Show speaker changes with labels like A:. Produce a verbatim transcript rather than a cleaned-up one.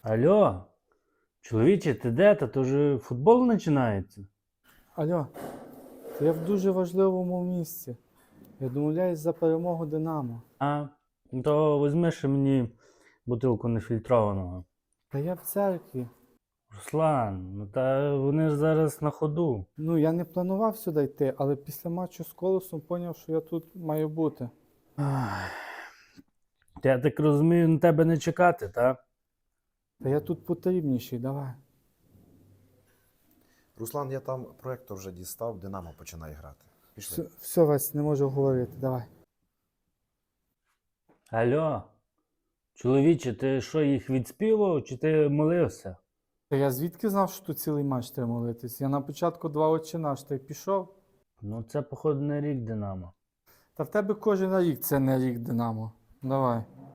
A: Алло, чоловіче, ти де? Та то вже футбол починається.
B: Алло, то я в дуже важливому місці. Я домовляюсь за перемогу Динамо.
A: А, ну то візьми ще мені бутилку нефільтрованого.
B: Та я в церкві.
A: Руслан, ну та вони ж зараз на ходу.
B: Ну, я не планував сюди йти, але після матчу з Колосом зрозумів, що я тут маю бути.
A: Ах. Та я так розумію, на тебе не чекати, так?
B: Та я тут потрібніший, давай.
C: Руслан, я там проектор вже дістав, Динамо починає грати. Пішли.
B: Все, все, Вась, не можу говорити, давай.
A: Алло, чоловіче, ти що, їх відспівав, чи ти молився?
B: Та я звідки знав, що тут цілий матч треба молитись? Я на початку два очі наш, та й пішов.
A: Ну це, походу, не рік Динамо.
B: Та в тебе кожен рік це не рік Динамо. Давай.